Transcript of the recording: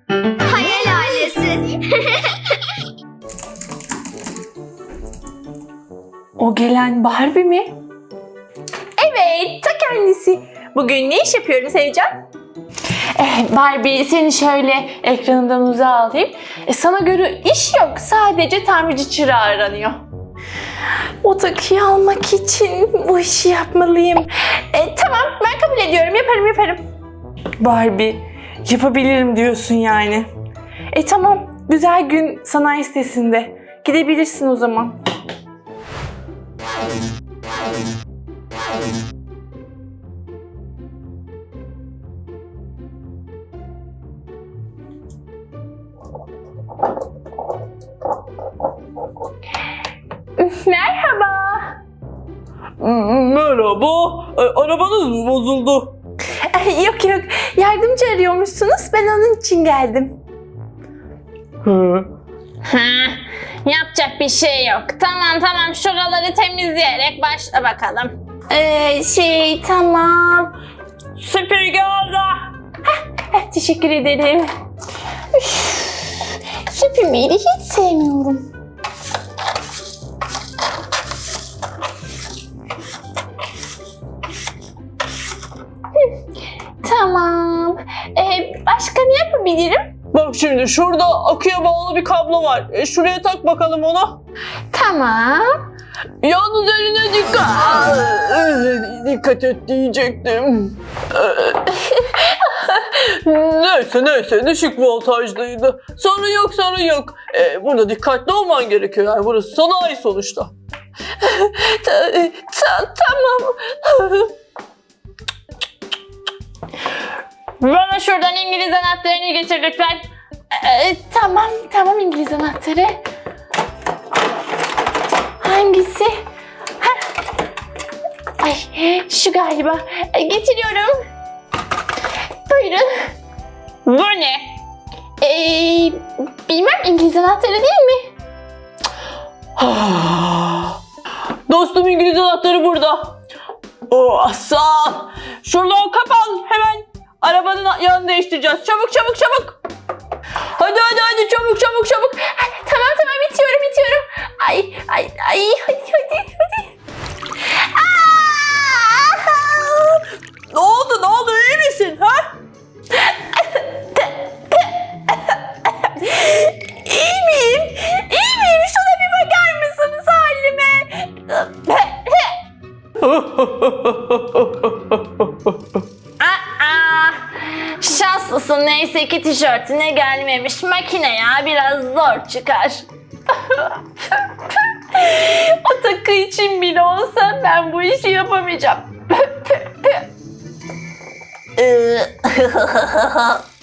Hayal ailesi. O gelen Barbie mi? Evet, ta kendisi. Bugün ne iş yapıyorum Sevcan? Barbie, seni şöyle ekranından uzağa alayım. Sana göre iş yok, sadece tamirci çırağı aranıyor. O takıyı almak için bu işi yapmalıyım. Tamam, ben kabul ediyorum, yaparım. Barbie, yapabilirim diyorsun yani. Tamam, güzel gün sanayi sitesinde. Gidebilirsin o zaman. Merhaba. Merhaba. Arabanız mı bozuldu? Yok, yardımcı arıyormuşsunuz, ben onun için geldim. Yapacak bir şey yok. Tamam, şuraları temizleyerek başla bakalım. Tamam. Süpürge oldu. Teşekkür ederim. Süpürmeyi de hiç sevmiyorum. Tamam. Başka ne yapabilirim? Bak şimdi şurada aküye bağlı bir kablo var. Şuraya tak bakalım onu. Tamam. Yalnız eline dikkat. Dikkat et diyecektim. Neyse düşük voltajdaydı. Sorun yok. Burada dikkatli olman gerekiyor. Yani burası sanayi sonuçta. Tamam. Bana şuradan İngiliz anahtarını getir lütfen. Tamam İngiliz anahtarı. Hangisi? Ay, şu galiba. Getiriyorum. Buyurun. Bu ne? Bilmem, İngiliz anahtarı değil mi? Dostum İngiliz anahtarı burada. Oh sağ ol. Şuradan kapan hemen. Arabanın yanını değiştireceğiz. Çabuk. Hadi çabuk. Tamam bitiyorum. Ay hadi. Ne oldu iyi misin ha? İyi miyim? Şuna bir bakar mısınız halime? Şanslısın, neyse ki tişörtüne gelmemiş. Makine ya, biraz zor çıkar. O takı için bile olsa ben bu işi yapamayacağım.